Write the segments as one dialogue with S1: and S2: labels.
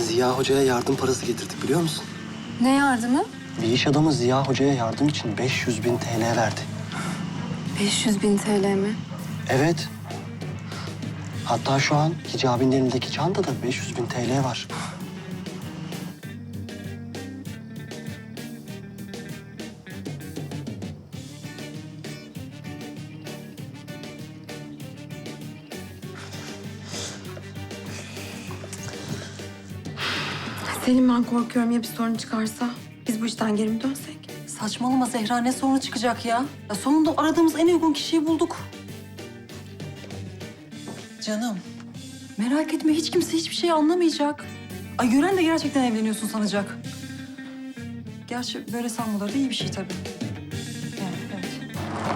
S1: Ziya Hoca'ya yardım parası getirdik biliyor musun?
S2: Ne yardımı?
S1: Bir iş adamı Ziya Hoca'ya yardım için 500.000 TL verdi.
S2: 500.000 TL mi?
S1: Evet. Hatta şu an Hicabi'nin elindeki çantada 500.000 TL var.
S2: Selim, ben korkuyorum ya bir sorun çıkarsa? Biz bu işten geri mi dönsek?
S3: Saçmalama Zehra, ne sorunu çıkacak ya? Sonunda aradığımız en uygun kişiyi bulduk. Canım, merak etme, hiç kimse hiçbir şey anlamayacak. Ay gören de gerçekten evleniyorsun sanacak. Gerçi böyle sanmaları da iyi bir şey tabii. Yani, evet.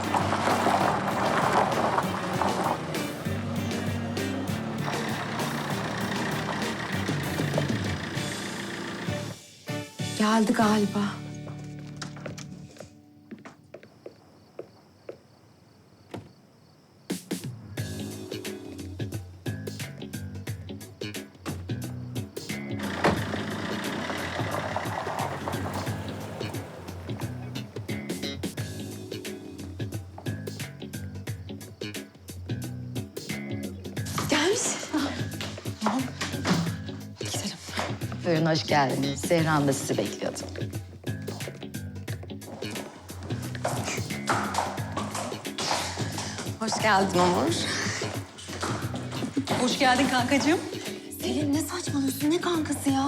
S2: Geldi galiba. Gelmiş.
S3: Gidelim.
S4: Buyurun, hoş geldiniz. Zehra Hanım da sizi bekliyordu.
S2: Hoş geldin Onur.
S3: Hoş geldin kankacığım.
S2: Selim, ne saçmalıyorsun? Ne kankası ya?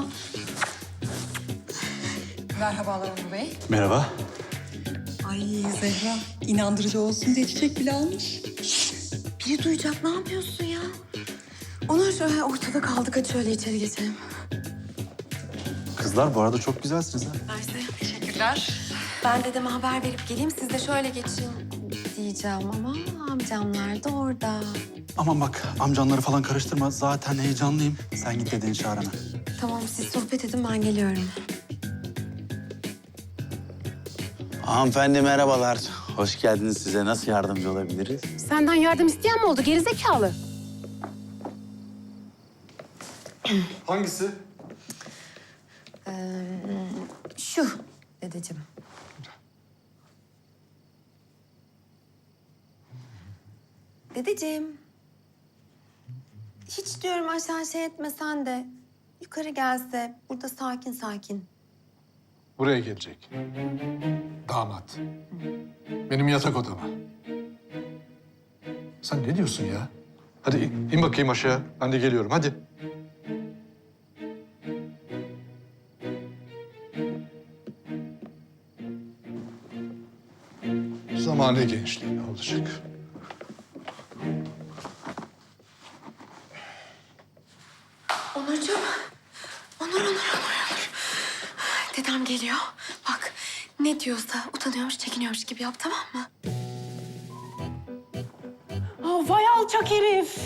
S3: Merhabalar Onur Bey.
S5: Merhaba.
S3: Ay Zehra, inandırıcı olsun diye çiçek bile almış.
S2: Biri duyacak, ne yapıyorsun ya? Onur, ortada kaldık. Hadi şöyle içeri geçelim.
S5: Kızlar bu arada çok güzelsiniz ha.
S2: Mersi.
S3: Teşekkürler.
S2: Ben dedeme haber verip geleyim, siz de şöyle geçin diyeceğim ama amcamlar da orada.
S5: Aman bak amcanları falan karıştırma. Zaten heyecanlıyım. Sen git dedeni çağır hemen.
S2: Tamam, siz sohbet edin, ben geliyorum.
S6: Hanımefendi merhabalar. Hoş geldiniz. Size nasıl yardımcı olabiliriz?
S7: Senden yardım isteyen mi oldu gerizekalı?
S5: Hangisi?
S2: Şu dedeciğim. Dedeciğim. Hiç diyorum aşağı şey etmesen de yukarı gelse burada sakin sakin.
S8: Buraya gelecek. Damat. Benim yatak odama. Sen ne diyorsun ya? Hadi in bakayım aşağı. Ben de geliyorum. Hadi. Zamane gençliği olacak.
S2: Onurcuğum. Onur. Dedem geliyor. Bak ne diyorsa utanıyormuş, çekiniyormuş gibi yap, tamam mı?
S7: Vay alçak herif.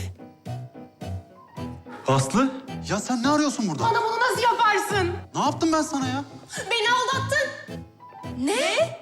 S5: Aslı? Ya sen ne arıyorsun burada?
S7: Bana bunu nasıl yaparsın?
S5: Ne yaptım ben sana ya?
S7: Beni aldattın.
S2: Ne?